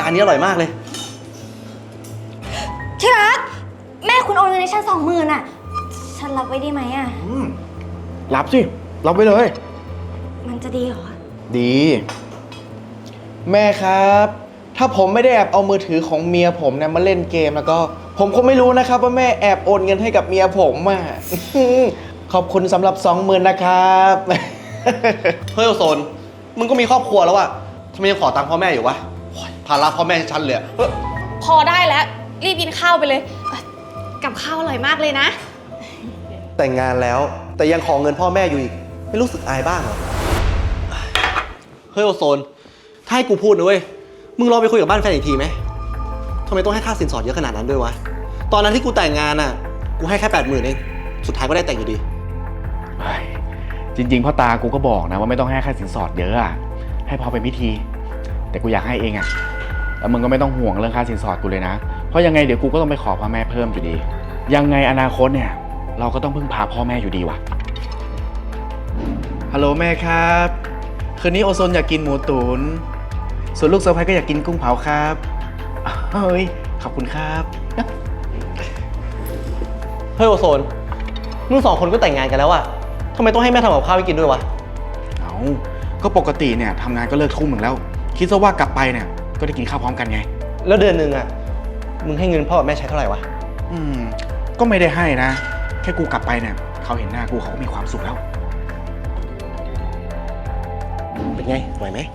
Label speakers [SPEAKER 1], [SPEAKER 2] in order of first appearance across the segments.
[SPEAKER 1] านนี้อร่อยมากเลย
[SPEAKER 2] ที่รักแม่คุณโอนเงินให้ฉัน20,000อ่ะฉันรับไว้ได้ไหมอ่ะ
[SPEAKER 3] รับสิรับไว้เลย
[SPEAKER 2] มันจะดีเหรอ
[SPEAKER 3] ดี แม่ครับ ถ้าผมไม่ได้แอบเอามือถือของเมียผมเนี่ยมาเล่นเกมแล้วก็ผมคงไม่รู้นะครับว่าแม่แอบโอนเงินให้กับเมียผมอ่ะ ขอบคุณสำหรับ20,000นะครับ
[SPEAKER 1] เฮ้ยโอโซนมึงก็มีครอบครัวแล้วอะทำไมยังขอตังค์พ่อแม่อยู่วะภาระพ่อแม่ชันเลย
[SPEAKER 4] พอได้แล้วรีบกินข้าวไปเลยกับข้าวอร่อยมากเลยนะ
[SPEAKER 1] แต่งงานแล้วแต่ยังขอเงินพ่อแม่อยู่อีกไม่รู้สึกอายบ้างเหรอเฮ้ยโอโซนถ้าให้กูพูดนะเว้ยมึงลองไปคุยกับบ้านแฟนอีกทีไหมทำไมต้องให้ค่าสินสอดเยอะขนาดนั้นด้วยวะตอนนั้นที่กูแต่งงานอะกูให้แค่80,000เองสุดท้ายก็ได้แต่งอยู่ดี
[SPEAKER 3] จริงๆพ่อตากูก็บอกนะว่าไม่ต้องให้ค่าสินสอดเยอะอะให้พอเป็นพิธีแต่กูอยากให้เองอะแล้วมึงก็ไม่ต้องห่วงเรื่องค่าสินสอดกูเลยนะเพราะยังไงเดี๋ยวกูก็ต้องไปขอพ่อแม่เพิ่มอยู่ดียังไงอนาคตเนี่ยเราก็ต้องพึ่งพาพ่อแม่อยู่ดีว่ะฮัลโหลแม่ครับคืนนี้โอโซนอยากกินหมูตุ๋นส่วนลูกสะใภ้ก็อยากกินกุ้งเผาครับเฮ้ยขอบคุณครับ
[SPEAKER 1] เฮ้ยโอโซนมึง2 คนก็แต่งงานกันแล้วอะทำไมต้องให้แม่ทำกับข้าวให้กินด้วยวะ
[SPEAKER 3] เอาก็ปกติเนี่ยทำงานก็เลิกทุ่มหนึ่งแล้วคิดซะว่ากลับไปเนี่ยก็ได้กินข้าวพร้อมกันไง
[SPEAKER 1] แล้วเดือนหนึ่งอะมึงให้เงินพ่อกับแม่ใช้เท่าไหร่วะ
[SPEAKER 3] ก็ไม่ได้ให้นะแค่กูกลับไปเนี่ยเขาเห็นหน้ากูเขาก็มีความสุขแล้ว
[SPEAKER 1] เป็นไงไหวไหม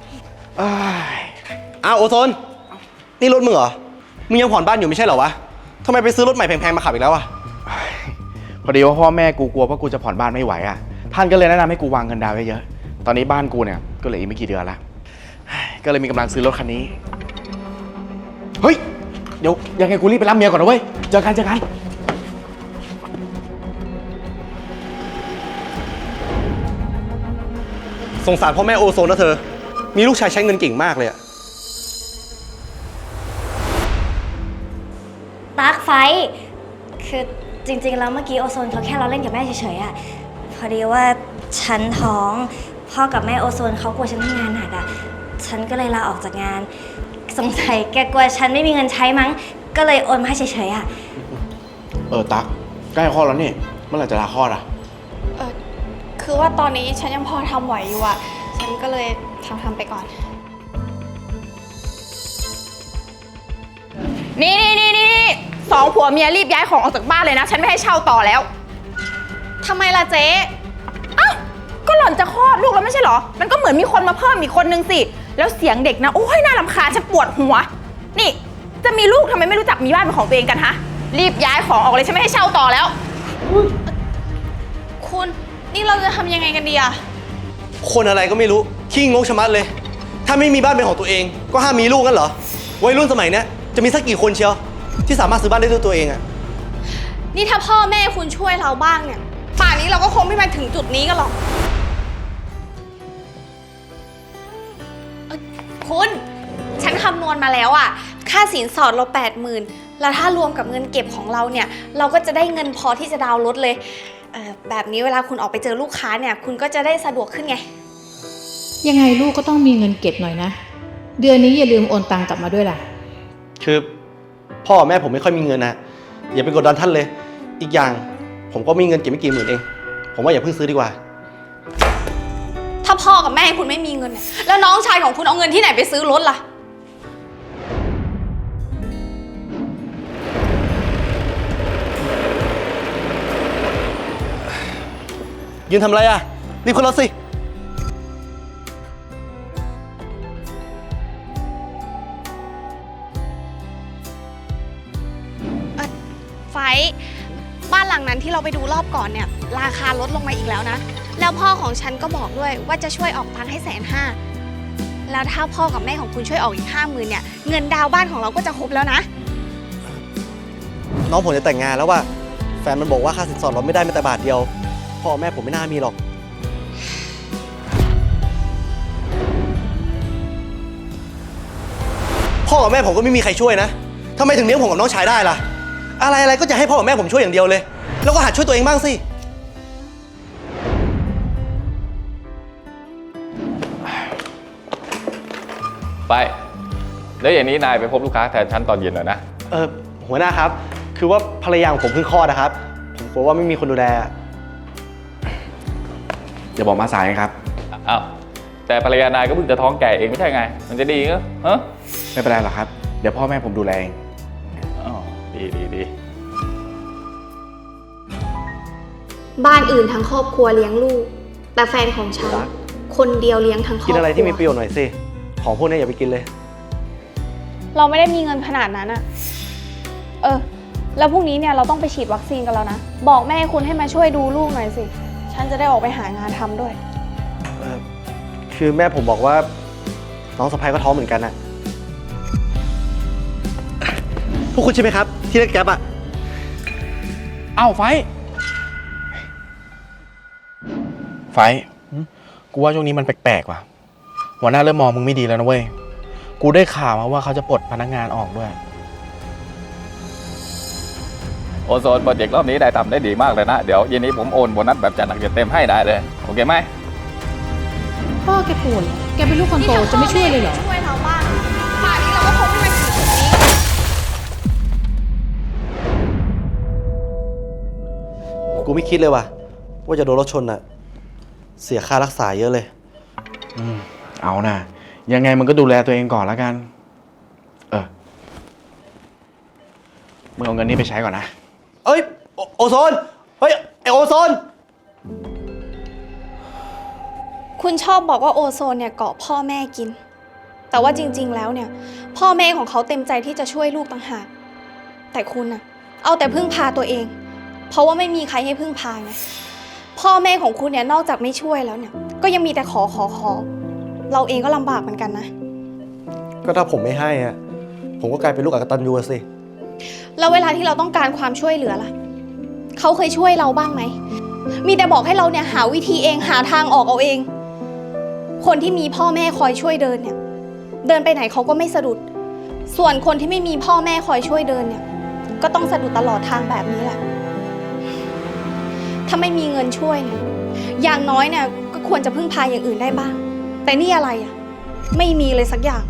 [SPEAKER 1] อ้าวโอโซนนี่รถมึงเหรอมึงยังผ่อนบ้านอยู่ไม่ใช่เหรอวะทำไมไปซื้อรถใหม่แพงๆมาขับอีกแล้วอะ
[SPEAKER 3] พอดีว่าพ่อแม่กูกลัวว่ากูจะผ่อนบ้านไม่ไหวอ่ะท่านก็เลยแนะนำให้กูวางเงินดาวน์ไว้เยอะตอนนี้บ้านกูเนี่ยก็เหลืออีกไม่กี่เดือนละก็เลยมีกำลังซื้อรถคันนี้เฮ้ยเดี๋ยวยังไงกูรีบไปรับเมียก่อนนะเว้ยเจอกัน
[SPEAKER 1] สงสารพ่อแม่โอโซนนะเธอมีลูกชายใช้เงินเก่งมากเลยอะ
[SPEAKER 2] ตั๊กไฟคือจริงๆแล้วเมื่อกี้โอโซนเขาแค่เราเล่นกับแม่เฉยๆอะพอดีว่าฉันท้องพ่อกับแม่โอโซนเขากลัวฉันทำงานหนักอะฉันก็เลยลาออกจากงานสงสัยแกกลัวฉันไม่มีเงินใช้มั้งก็เลยโอนมาให้เฉยๆอะ
[SPEAKER 3] ตั๊กใกล้คลอดแล้วนี่เมื่อไหร่จะลาคลอดอะ
[SPEAKER 4] คือว่าตอนนี้ฉันยังพอทำไหวอยู่อะฉันก็เลยทำไปก่อนนี่2 ผัวเมียรีบย้ายของออกจากบ้านเลยนะฉันไม่ให้เช่าต่อแล้วทำไมล่ะเจ๊ก็หล่อนจะคลอดลูกแล้วไม่ใช่เหรอมันก็เหมือนมีคนมาเพิ่มอีกคนนึงสิแล้วเสียงเด็กนะโอ้ยน่ารำคาญฉันปวดหัวนี่จะมีลูกทำไมไม่รู้จักมีบ้านเป็นของตัวเองกันฮะรีบย้ายของออกเลยฉันไม่ให้เช่าต่อแล้วคุณนี่เราจะทำยังไงกันดีอะ
[SPEAKER 1] คนอะไรก็ไม่รู้ขี้งกชะมัดเลยถ้าไม่มีบ้านเป็นของตัวเองก็ห้ามมีลูกงั้นเหรอวัยรุ่นสมัยนี้จะมีสักกี่คนเชียวที่สามารถซื้อบ้านได้ด้วยตัวเองอะ
[SPEAKER 4] นี่ถ้าพ่อแม่คุณช่วยเราบ้างเนี่ยป่านนี้เราก็คงไม่มาถึงจุดนี้กันหรอกคุณฉันคำนวณมาแล้วอะค่าสินสอดเรา80,000แล้วถ้ารวมกับเงินเก็บของเราเนี่ยเราก็จะได้เงินพอที่จะดาวน์รถเลยแบบนี้เวลาคุณออกไปเจอลูกค้าเนี่ยคุณก็จะได้สะดวกขึ้นไง
[SPEAKER 5] ยังไงลูกก็ต้องมีเงินเก็บหน่อยนะเดือนนี้อย่าลืมโอนตังกลับมาด้วยล่ะ
[SPEAKER 1] คือพ่อแม่ผมไม่ค่อยมีเงินนะอย่าไปกดดันท่านเลยอีกอย่างผมก็มีเงินเก็บไม่กี่หมื่นเองผมว่าอย่าเพิ่งซื้อดีกว่า
[SPEAKER 4] ถ้าพ่อกับแม่คุณไม่มีเงินเนี่ยแล้วน้องชายของคุณเอาเงินที่ไหนไปซื้อรถล่ะ
[SPEAKER 1] ยืนทำอะไรอะรีบขึ้นรถสิ
[SPEAKER 4] ไฟบ้านหลังนั้นที่เราไปดูรอบก่อนเนี่ยราคาลดลงมาอีกแล้วนะแล้วพ่อของฉันก็บอกด้วยว่าจะช่วยออกตังค์ให้150,000แล้วถ้าพ่อกับแม่ของคุณช่วยออกอีก50,000เนี่ยเงินดาวบ้านของเราก็จะครบแล้วนะ
[SPEAKER 1] น้องผมจะแต่งงานแล้วว่ะแฟนมันบอกว่าค่าสินสอดเราไม่ได้แม้แต่บาทเดียวพ่อแม่ผมไม่น่ามีหรอกพ่อกับแม่ผมก็ไม่มีใครช่วยนะทำไมถึงเลี้ยงผมกับน้องชายได้ล่ะอะไรก็จะให้พ่อกับแม่ผมช่วยอย่างเดียวเลยแล้วก็หัดช่วยตัวเองบ้างสิ
[SPEAKER 6] ไปแล้วอย่างนี้นายไปพบลูกค้าแทนฉันตอนเย็นหน่อยนะ
[SPEAKER 1] หัวหน้าครับ คือว่าภรรยาของผมเพิ่งคลอดนะครับ ผมกลัวว่าไม่มีคนดูแล
[SPEAKER 3] อย่าบอกมาสายครับ
[SPEAKER 6] อ้าว แต่ภรรยานายก็เพิ่งจะท้องแก่เองไม่ใช่ไง มันจะดีเหรอฮะ
[SPEAKER 3] ไม่เป็นไรหรอกครับ เดี๋ยวพ่อแม่ผมดูแลเอง
[SPEAKER 6] อ๋อดี
[SPEAKER 7] บ้านอื่นทั้งครอบครัวเลี้ยงลูก แต่แฟนของฉัน คนเดียวเลี้ยงทั้งครอบครัว
[SPEAKER 1] กินอะไรที่มีประโยชน์หน่อยสิ ของพวกนี้อย่าไปกินเลย
[SPEAKER 8] เราไม่ได้มีเงินขนาดนั้นอะแล้วพรุ่งนี้เนี่ยเราต้องไปฉีดวัคซีนกันแล้วนะ บอกแม่คุณให้มาช่วยดูลูกหน่อยสิ ฉันจะได้ออกไปหางานทำด้วย
[SPEAKER 1] คือแม่ผมบอกว่าน้องสะพ้ายก็ท้องเหมือนกันนะพวกคุณใช่ไหมครับ ที่เรียกแก๊ปอะ
[SPEAKER 3] เอ้าไฟกูว่าช่วงนี้มันแปลกๆว่ะ หัวหน้าเริ่มมองมึงไม่ดีแล้วนะเว้ย กูได้ข่าวมาว่าเขาจะปลดพนักงานออกด้วย
[SPEAKER 6] โอโซนโปรเจกต์รอบนี้ได้ทำได้ดีมากเลยนะ เดี๋ยวเย็นนี้ผมโอนโบนัสแบบจัดหนักจัดเต็มให้ได้เลย โอเคไหม
[SPEAKER 5] พ่อแกป่วยเหรอแกเป็นลูกคนโตจะไม่ช่วยเลยเหรอ
[SPEAKER 4] ช่วยเราบ้างป่านนี้เราก็คงไม่มาถึงจุดนี้
[SPEAKER 1] กูไม่คิดเลยว่ะว่าจะโดนรถชนอะเสียค่ารักษาเยอะเลย
[SPEAKER 3] เอานะ ยังไงมันก็ดูแลตัวเองก่อนแล้วกัน มึงเอาเงินนี้ไปใช้ก่อนนะ
[SPEAKER 1] เอ้ย โอโซน เฮ้ย ไอโอโซน
[SPEAKER 8] คุณชอบบอกว่าโอโซนเนี่ยเกาะพ่อแม่กิน แต่ว่าจริงๆแล้วเนี่ยพ่อแม่ของเขาเต็มใจที่จะช่วยลูกต่างหาก แต่คุณน่ะเอาแต่พึ่งพาตัวเอง เพราะว่าไม่มีใครให้พึ่งพาไง พ่อแม่ของคุณเนี่ยนอกจากไม่ช่วยแล้วเนี่ยก็ยังมีแต่ขอ เราเองก็ลำบากเหมือนกันนะ
[SPEAKER 1] ก็ถ้าผมไม่ให้อะผมก็กลายเป็นลูกอกตัญญูสิ
[SPEAKER 8] แล้วเวลาที่เราต้องการความช่วยเหลือล่ะเขาเคยช่วยเราบ้างไหม มีแต่บอกให้เราเนี่ยหาวิธีเองหาทางออกเอาเอง คนที่มีพ่อแม่คอยช่วยเดินเนี่ยเดินไปไหนเขาก็ไม่สะดุด ส่วนคนที่ไม่มีพ่อแม่คอยช่วยเดินเนี่ยก็ต้องสะดุดตลอดทางแบบนี้แหละถ้าไม่มีเงินช่วยเนี่ยอย่างน้อยเนี่ยก็ควรจะพึ่งพาอย่างอื่นได้บ้าง แต่นี่อะไรอ่ะไม่มีเลยสักอย่าง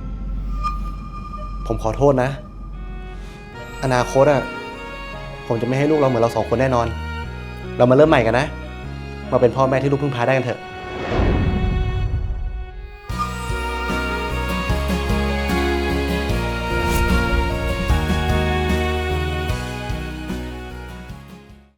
[SPEAKER 1] ผมขอโทษนะ อนาคตอะผมจะไม่ให้ลูกเราเหมือนเราสองคนแน่นอน เรามาเริ่มใหม่กันนะ มาเป็นพ่อแม่ที่ลูกพึ่งพาได้กันเถอะ